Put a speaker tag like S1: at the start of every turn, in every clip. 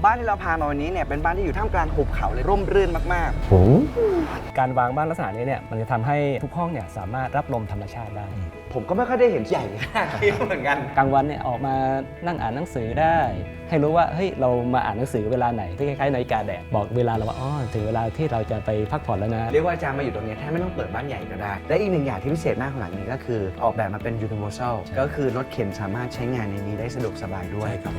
S1: บ้านที่เราพามาวันนี้เนี่ยเป็นบ้านที่อยู่ท่ามกลางหุบเขาเลยร่มรื่นมาก
S2: การวางบ้านลักษณะนี้เนี่ยมันจะทำให้ทุกห้องเนี่ยสามารถรับลมธรรมชาติได้
S1: ๆผมก็ไม่ค่อยได้เห็นใหญ่ขนาดนี้เหมือนกัน
S2: กลางวันเนี่ยออกมานั่งอ่านหนังสือได้ ให้รู้ว่าเฮ้ยเรามาอ่านหนังสือเวลาไหนที่คล้ายๆนาฬิกาแดดบอกเวลาเราว่าอ๋อถึงเวลาที่เราจะไปพักผ่อนแล้วนะ
S1: เรียกว่าอาจารย์มาอยู่ตรงนี้แทบไม่ต้องเปิดบ้านใหญ่ก็ได้และอีกหนึ่งอย่างที่พิเศษมากของหลังนี้ก็คือออกแบบมาเป็น universal ก็คือรถเข็นสามารถใช้งานในนี้ได้สะดวกสบายด้วยครับ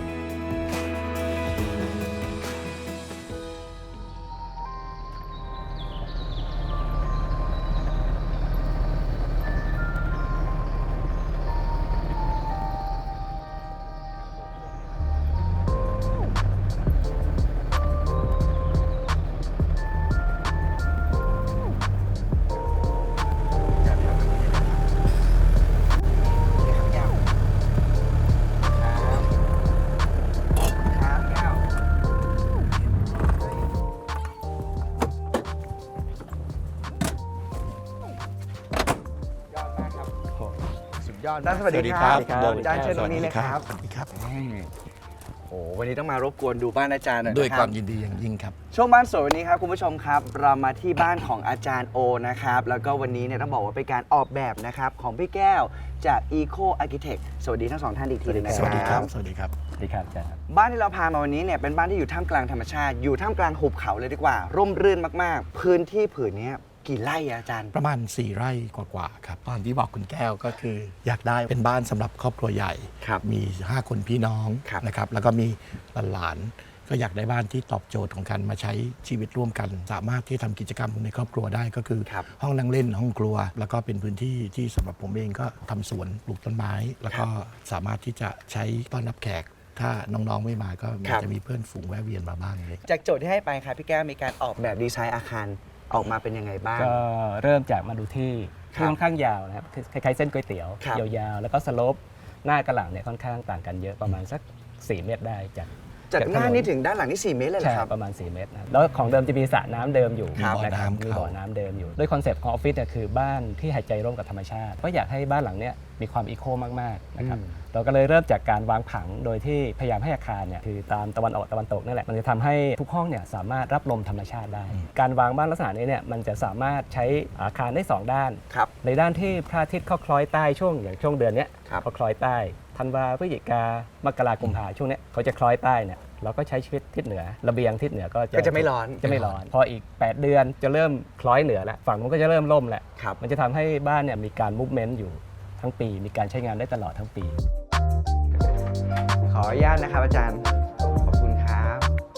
S1: ยอดสวัสดีครับอาจารย์เชิญตรงนี้เลยครับ
S3: สวัสดีครับ
S1: โอ้วันนี้ต้องมารบกวนดูบ้านอาจารย์หน่อย
S3: ด้วยความยินดีอย่างยิ่งครับ
S1: ช่วงบ้านสวยวันนี้ครับคุณผู้ชมครับเรามาที่บ้านของอาจารย์โอนะครับแล้วก็วันนี้เนี่ยต้องบอกว่าเป็นการออกแบบนะครับของพี่แก้วจาก Eco Architect สวัสดีทั้งสองท่านอีกทีนึงนะครับ
S3: สวัสดีครับสวัสดีครับ
S2: สวัสดีครับอาจารย์
S1: บ้านที่เราพามาวันนี้เนี่ยเป็นบ้านที่อยู่ท่ามกลางธรรมชาติอยู่ท่ามกลางหุบเขาเลยดีกว่าร่มรื่นมากๆพื้นที่ผืนนี้กี่ไร่อาจารย์
S3: ประมาณ4 ไร่กว่าๆครับตอนที่บอกคุณแก้วก็คืออยากได้เป็นบ้านสำหรับครอบครัวใหญ่มี5 คนพี่น้องนะครับแล้วก็มีหลานๆก็อยากได้บ้านที่ตอบโจทย์ของการมาใช้ชีวิตร่วมกันสามารถที่ทำกิจกรรมในครอบครัวได้ก็คือห้องนั่งเล่นห้องครัวแล้วก็เป็นพื้นที่ที่สำหรับผมเองก็ทำสวนปลูกต้นไม้แล้วก็สามารถที่จะใช้ต้อนรับแขกถ้าน้องๆไม่มาก็จะมีเพื่อนฝูงแวะเวียนมาบ้างเลย
S1: จากโจทย์ที่ให้ไปครับพี่แก้วมีการออกแบบดีไซน์อาคารออกมาเป็นยังไงบ้าง
S2: ก็เริ่มจากมาดูที่ค่อนข้างยาวนะครับคล้ายๆเส้นก๋วยเตี๋ยวยาวๆแล้วก็สโลปหน้ากระหลังเนี่ยค่อนข้างต่างกันเยอะประมาณสัก4 เมตรได้
S1: จากหน้านี้ถึงด้านหลังนี่4 เมตรเลยเหรอครับ
S2: ประมาณ4 เมตรนะแล้วของเดิมจะมีสระน้ำเดิมอยู่นะครับมีบ่อน้ำเดิมอยู่ด้วยคอนเซปต์ของออฟฟิศเนี่ยคือบ้านที่หายใจร่วมกับธรรมชาติก็อยากให้บ้านหลังเนี้ยมีความอีโคมากๆนะครับเราก็เลยเริ่มจากการวางผังโดยที่พยายามให้อาคารเนี่ยคือตามตะวันออกตะวันตกนั่นแหละมันจะทำให้ทุกห้องเนี่ยสามารถรับลมธรรมชาติได้การวางบ้านลักษณะนี้เนี่ยมันจะสามารถใช้อาคารได้2 ด้านในด้านที่พระอาทิตย์เข้าคล้อยใต้ช่วงอย่างช่วงเดือนนี้เขาคล้อยใต้ธันวาพฤศจิกามกราคมกุมภาช่วงนี้เขาจะคล้อยใต้เนี่ยเราก็ใช้ชีวิตทิศเหนือระเบียงทิศเหนือก็
S1: จะไม่ร้อน
S2: พออีก8 เดือนจะเริ่มคล้อยเหนือแล้วฝั่งมันก็จะเริ่มล่มแล้วมันจะทำให้บ้านเนี่ยมีการมูฟเมนต์อยู่ทั้งปีมีการใช้งานได้ตลอดทั้งปี
S1: ขออนุญาตนะครับอาจารย์ขอบคุณครับ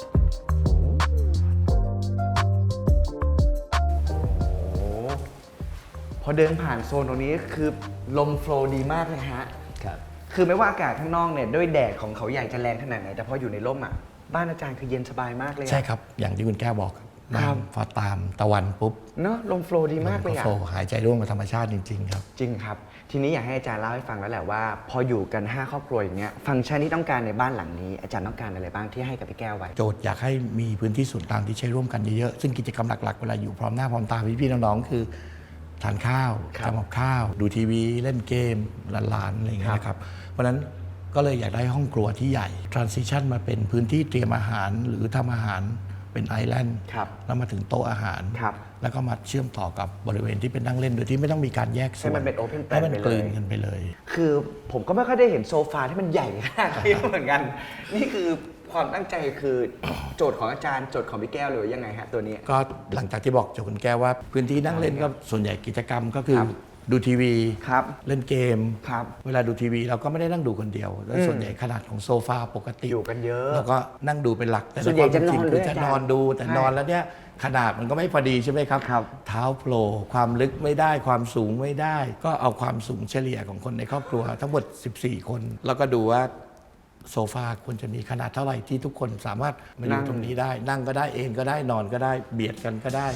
S1: พอเดินผ่านโซนตรงนี้คือลมโฟลว์ดีมากเลยฮะคือไม่ว่าอากาศข้างนอกเนี่ยด้วยแดดของเขาใหญ่จะแรงขนาดไหนแต่พออยู่ในร่มอ่ะบ้านอาจารย์คือเย็นสบายมากเลย
S3: ใช่ครับอย่างที่คุณแก้วบอกพอตามตะวันปุ๊บ
S1: เนาะลมโฟลว์ดีมากเลยอ่ะ
S3: หายใจร่วมกับธรรมชาติจริงๆครับ
S1: จริงครับทีนี้อยากให้อาจารย์เล่าให้ฟังแล้วแหละว่าพออยู่กัน5 ครอบครัวอย่างเงี้ยฟังก์ชันที่ต้องการในบ้านหลังนี้อาจารย์ต้องการอะไรบ้างที่ให้กับพี่แก้วไว้
S3: โจทย์อยากให้มีพื้นที่ส่วนกลางที่ใช้ร่วมกันเยอะๆซึ่งกิจกรรมหลักๆเวลาอยู่พร้อมหน้าพร้อมตาพี่ๆน้องๆคือทานข้าวทำกับข้าวดูทีวีเล่นเกมหลานๆอะไรอย่างเงี้ยนะครับเพราะฉะนั้นก็เลยอยากได้ห้องครัวที่ใหญ่ transition มาเป็นพื้นที่เตรียมอาหารหรือทำอาหารเป็นไอแลนด์แล้วมาถึงโต๊ะอาหารแล้วก็มาเชื่อมต่อกับบริเวณที่เป็นนั่งเล่นโดยที่ไม่ต้องมีการแยกส่วน
S1: ให้มันเป็นโอเพนแปลน
S3: ให้มันกลืนกันไปเลย
S1: คือผมก็ไม่ค่อยได้เห็นโซฟาที่มันใหญ่ขนาดนี้เหมือนกันนี่คือความตั้งใจคือโจทย์ของอาจารย์โจทย์ของพี่แก้วหรือยังไงฮะตัวนี้
S3: ก็หลังจากที่บอกโจทย์คุณแก้วว่าพื้นที่นั่งเล่นก็ส่วนใหญ่กิจกรรมก็คือดูทีวีเล่นเกมเวลาดูทีวีเราก็ไม่ได้นั่งดูคนเดียวแล้วส่วนใหญ่ขนาดของโซฟาปกติ
S1: อยู่กันเยอะ
S3: เราก็นั่งดูเป็นหลัก
S1: แต่ส่วนใหญ่จะนอน
S3: คือจะนอนดูแต่นอนแล้วเนี่ยขนาดมันก็ไม่พอดีใช่ไหมครับเท้าโผล่ความลึกไม่ได้ความสูงไม่ได้ก็เอาความสูงเฉลี่ยของคนในครอบครัวทั้งหมด14 คนแล้วก็ดูว่าโซฟาควรจะมีขนาดเท่าไหร่ที่ทุกคนสามารถมาอยู่ตรงนี้ได้นั่งก็ได้เองก็ได้นอนก็ได้เบียดกันก็ได้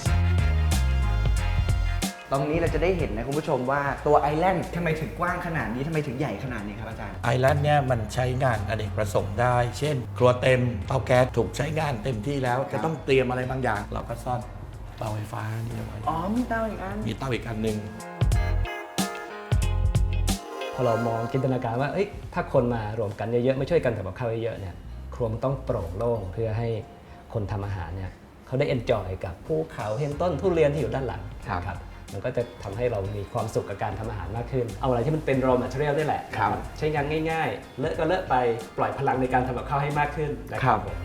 S1: ตรงนี้เราจะได้เห็นนะคุณผู้ชมว่าตัวไอแลนด์ทำไมถึงกว้างขนาดนี้ทำไมถึงใหญ่ขนาดนี้ครับอาจารย์
S3: ไอแลนด์เนี่ยมันใช้งานอเนกประสงค์ได้เช่นครัวเต็มเตาแก๊สถูกใช้งานเต็มที่แล้วจะต้องเตรียมอะไรบางอย่างเราก็ซ่อนเตาไฟฟ้านี่ไว้
S1: มีเตาอีกอัน
S3: มีเตาอีกอันหนึ่ง
S2: พอเรามองจินตนาการว่าถ้าคนมารวมกันเยอะๆไม่ช่วยกันทำกับข้าวเยอะๆเนี่ยครัวมันต้องโปร่งโล่งเพื่อให้คนทำอาหารเนี่ยเขาได้เอนจอยกับภูเขาเห็นต้นทุเรียนที่อยู่ด้านหลังครับมันก็จะทำให้เรามีความสุขกับการทำอาหารมากขึ้นเอาอะไรที่มันเป็น raw material นี่แหละใช้งานง่ายๆเลอะก็เลอะไปปล่อยพลังในการทำกับข้าวให้มากขึ้นนะครับผม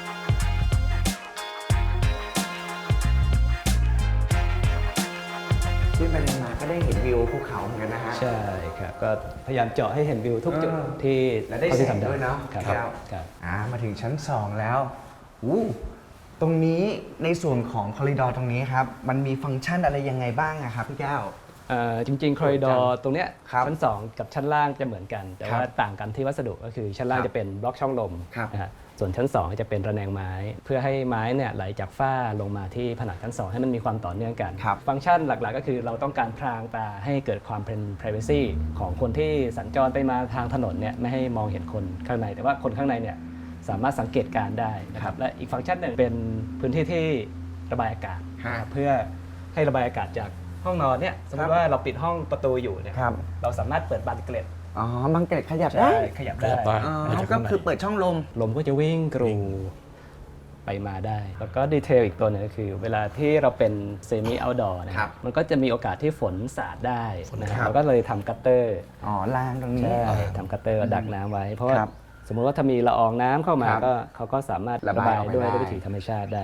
S1: ขึ้นไปมาก็ได้เห็นวิวภูเขาเหมือนกันนะฮะ
S2: ใช่ครับก็พยายามเจาะให้เห็นวิวทุกจุดที่
S1: และได้แสงด้วยเนาะครับมาถึงชั้น 2 แล้วตรงนี้ในส่วนของคอริดอร์ตรงนี้ครับมันมีฟังก์ชันอะไรยังไงบ้างครับพี่แก้ว
S2: จริงๆคอริดอร์ตรงเนี้ยชั้น 2 กับชั้นล่างจะเหมือนกันแต่ว่าต่างกันที่วัสดุก็คือชั้นล่างจะเป็นบล็อกช่องลมนะฮะส่วนชั้น 2 จะเป็นระแนงไม้เพื่อให้ไม้เนี่ยไหลจากฝ้าลงมาที่ผนังชั้น 2ให้มันมีความต่อเนื่องกันฟังก์ชันหลักๆก็คือเราต้องการพรางตาให้เกิดความเป็น privacy ของคนที่สัญจรไปมาทางถนนเนี่ยไม่ให้มองเห็นคนข้างในแต่ว่าคนข้างในเนี่ยสามารถสังเกตการได้นะครับและอีกฟังก์ชันหนึ่งเป็นพื้นที่ที่ระบายอากาศเพื่อให้ระบายอากาศจากห้องนอนเนี่ยสมมติว่าเราปิดห้องประตูอยู่เนี่ยเราสามารถเปิดบานเกล็ด
S1: บานเกล็ดขยับได้ก็คือเปิดช่อง
S2: ลมก็จะวิ่งกรูไปมาได้แล้วก็ดีเทลอีกตัวนึงก็คือเวลาที่เราเป็นเซมิเอาท์ดอร์นะครับมันก็จะมีโอกาสที่ฝนสาดได้นะครับเราก็เลยทำกัตเตอร์
S1: ล้างตรงนี้
S2: ทำกัตเตอร์ดักน้ำไว้เพราะว่าสมมติว่าถ้ามีละอองน้ำเข้ามาก็เขาก็สามารถระบายด้วยวิธีธรรมชาติได้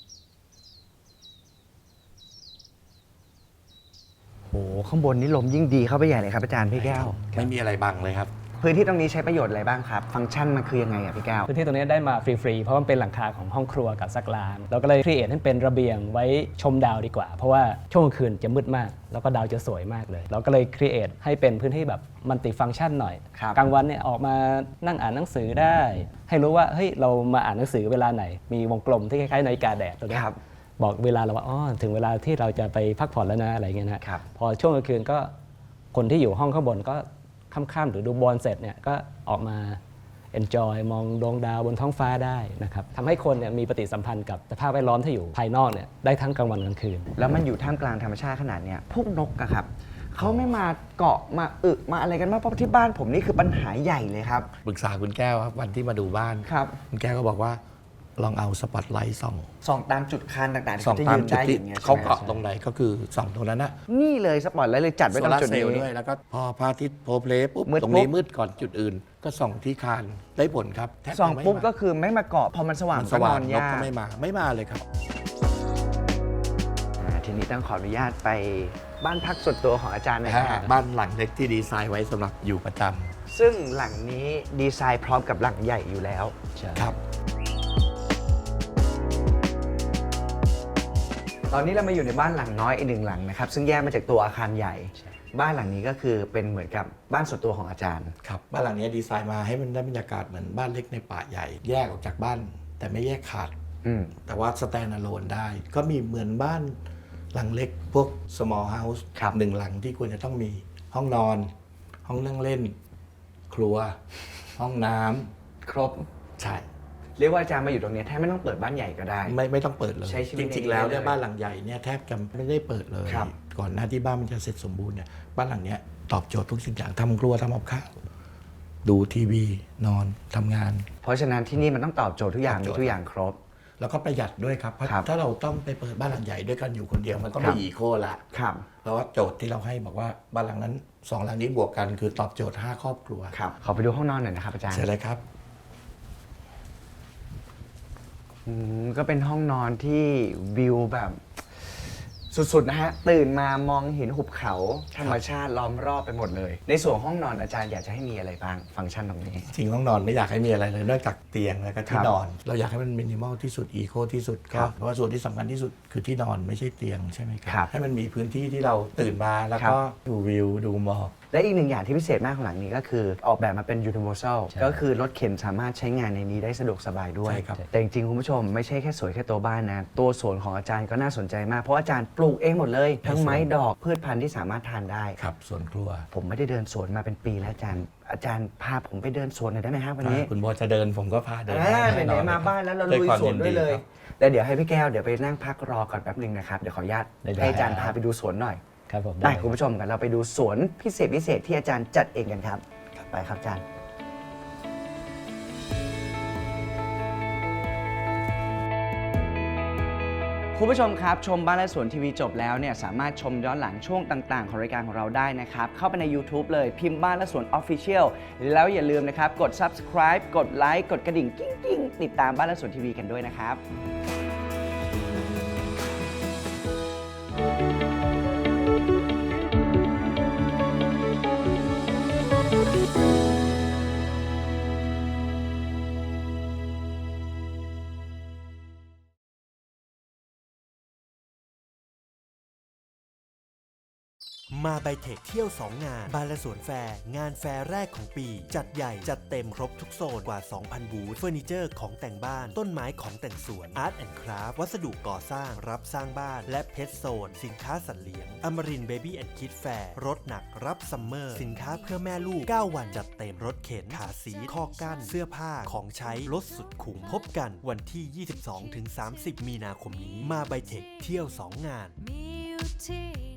S1: ข้างบนนี้ลมยิ่งดีเข้าไปใหญ่เลยครับอาจารย์พี่แก้ว
S3: ไม่มีอะไรบังเลยครับ
S1: พื้นที่ตรงนี้ใช้ประโยชน์อะไรบ้างครับฟังก์ชันมันคือยังไงพี่แก้ว
S2: พื้นที่ตรงนี้ได้มาฟรีๆเพราะมันเป็นหลังคาของห้องครัวกับซักล้างเราก็เลยครีเอทให้เป็นระเบียงไว้ชมดาวดีกว่าเพราะว่าช่วงกลางคืนจะมืดมากแล้วก็ดาวจะสวยมากเลยเราก็เลยครีเอทให้เป็นพื้นที่แบบมัลติฟังก์ชันหน่อยกลางวันเนี่ยออกมานั่งอ่านหนังสือได้ให้รู้ว่าเฮ้ยเรามาอ่านหนังสือเวลาไหนมีวงกลมที่คล้ายๆนาฬิกาแดดตัวนี้บอกเวลาเราว่าถึงเวลาที่เราจะไปพักผ่อนแล้วนะอะไรเงี้ยนะพอช่วงกลางคืนก็คนที่อยู่ห้องข้างบนก็ค่ำๆหรือดูบอลเสร็จเนี่ยก็ออกมา enjoy มองดวงดาวบนท้องฟ้าได้นะครับทำให้คนเนี่ยมีปฏิสัมพันธ์กับสภาพแวดล้อมที่อยู่ภายนอกเนี่ยได้ทั้งกลางวันกลางคืน
S1: แล้วมันอยู่ท่ามกลางธรรมชาติขนาดเนี้ยพวกนกอะครับเขาไม่มาเกาะมามาอะไรกันมากเพราะที่บ้านผมนี่คือปัญหาใหญ่เลยครับ
S3: ปรึกษาคุณแก้วครับวันที่มาดูบ้านคุณแก้วก็บอกว่าลองเอาสปอตไลท์ส่อง
S1: ตามจุดคันต่างๆ
S3: ที่จะยืนได้อย่างเงี้ยเขาเกาะตรงไหนก็คือส่องตรงนั้นนะ
S1: นี่เลยสปอตไลท์เลยจัดไว้ตรงจุดนี้
S3: ด้วยแล้วก็พอพระอาทิตย์โพเพลปุ๊บตรงนี้มืดก่อนจุดอื่นก็ส่องที่คานได้ผลครับ
S1: ส่องปุ๊บก็คือไม่มาเกาะพอมันสว่างก็นอนยาก
S3: ก็ไม่มาเลยครับ
S1: ทีนี้ต้องขออนุญาตไปบ้านพักส่วนตัวของอาจารย์หน่อยครับ
S3: บ้านหลังเล็กที่ดีไซน์ไว้สำหรับอยู่ประจ
S1: ำซึ่งหลังนี้ดีไซน์พร้อมกับหลังใหญ่อยู่แล้ว
S3: ครับ
S1: ตอนนี้เรามาอยู่ในบ้านหลังน้อยอีกหนึ่งหลังนะครับซึ่งแยกมาจากตัวอาคารใหญ่บ้านหลังนี้ก็คือเป็นเหมือนกับบ้านส่วนตัวของอาจารย์
S3: ครับบ้านหลังนี้ดีไซน์มาให้มันได้บรรยากาศเหมือนบ้านเล็กในป่าใหญ่แยกออกจากบ้านแต่ไม่แยกขาดแต่ว่าสแตนด์อะโลนได้ก็มีเหมือนบ้านหลังเล็กพวก small house หนึ่งหลังที่ควรจะต้องมีห้องนอนห้องนั่งเล่นครัวห้องน้ำ
S1: ครบ
S3: ใช่
S1: เรียกว่าอาจารย์มาอยู่ตรงนี้แทบไม่ต้องเปิดบ้านใหญ่ก็ได้
S3: ไม่ต้องเปิดเลยจริงๆแล้วเนี่ยบ้านหลังใหญ่เนี่ยแทบจะไม่ได้เปิดเลยก่อนหน้าที่บ้านมันจะเสร็จสมบูรณ์เนี่ยบ้านหลังเนี้ยตอบโจทย์ทุกสิ่งอย่างทำครัวทำกับข้าวดูทีวีนอนทำงาน
S1: เพราะฉะนั้นที่นี่มันต้องตอบโจทย์ทุกอย่างมีทุกอย่างครบ
S3: แล้วก็ประหยัดด้วยครับเพราะถ้าเราต้องไปเปิดบ้านหลังใหญ่ด้วยกันอยู่คนเดียวมันก็ไม่อีโคละเพราะว่าโจทย์ที่เราให้บอกว่าบ้านหลังนั้น2หลังนี้บวกกันคือตอบโจทย์5ครอบครัว
S1: ขอไปดูห้องนอนหน่อยนะครับอาจารย์
S3: เชิญเลยครับ
S1: ก็เป็นห้องนอนที่วิวแบบสุดๆนะฮะตื่นมามองเห็นหุบเขาธรรมชาติล้อมรอบไปหมดเลยในส่วนห้องนอนอาจารย์อยากจะให้มีอะไรบ้างฟังก์ชันตรงนี้
S3: จริงห้องนอนไม่อยากให้มีอะไรเลยนอกจากเตียงแล้วก็ที่นอนเราอยากให้มันมินิมอลที่สุดอีโคที่สุดก็เพราะว่าส่วนที่สำคัญที่สุดคือที่นอนไม่ใช่เตียงใช่ไหมครับให้มันมีพื้นที่ที่เราตื่นมาแล้วก็ดูวิวดูหมอก
S1: และอีกหนึ่งอย่างที่พิเศษมากของหลังนี้ก็คือออกแบบมาเป็น universal ก็คือรถเข็นสามารถใช้งานในนี้ได้สะดวกสบายด้วยแต่จริงๆคุณผู้ชมไม่ใช่แค่สวยแค่ตัวบ้านนะตัวสวนของอาจารย์ก็น่าสนใจมากเพราะอาจารย์ปลูกเองหมดเลยทั้งไม้ดอกพืชพันธุ์ที่สามารถทานได้
S3: ครับสวนครัว
S1: ผมไม่ได้เดินสวนมาเป็นปีแล้วอาจารย์พาผมไปเดินสวนหน่อยได้ไหมครับวันนี้
S3: คุณโบจะเดินผมก็พาเดิน
S1: ไหนๆมาบ้านแล้วเราลุยสวนด้วยเลยแต่เดี๋ยวให้พี่แก้วเดี๋ยวไปนั่งพักรอก่อนแป๊บนึงนะครับเดี๋ยวขออนุญาตให้อาจารย์พาไปดูสวนหน่อยได้คุณผู้ชมกันเราไปดูสวนพิเศษที่อาจารย์จัดเองกันครับไปครับอาจารย์คุณผู้ชมครับชมบ้านและสวนทีวีจบแล้วเนี่ยสามารถชมย้อนหลังช่วงต่างๆของรายการของเราได้นะครับเข้าไปใน YouTube เลยพิมพ์บ้านและสวน Official แล้วอย่าลืมนะครับกด Subscribe กดไลค์กดกระดิ่งกิ้งๆติดตามบ้านและสวนทีวีกันด้วยนะครับ
S4: มาไบเทคเที่ยว 2 งานบานและสวนแฟร์งานแฟร์แรกของปี จัดใหญ่จัดเต็มครบทุกโซนกว่า 2,000 บูธเฟอร์นิเจอร์ของแต่งบ้านต้นไม้ของแต่งสวนอาร์ตแอนด์คราฟต์วัสดุก่อสร้างรับสร้างบ้านและเพชรโซนสินค้าสัตว์เลี้ยงอมรินทร์เบบี้แอนด์คิดแฟร์รถหนักรับซัมเมอร์สินค้าเพื่อแม่ลูก 9 วันจัดเต็มรถเข็นขาสีข้อกั้นเสื้อผ้าของใช้ลดสุดคุ้มพบกันวันที่ 22-30 มีนาคมนี้มาไบเทคเที่ยว 2 งาน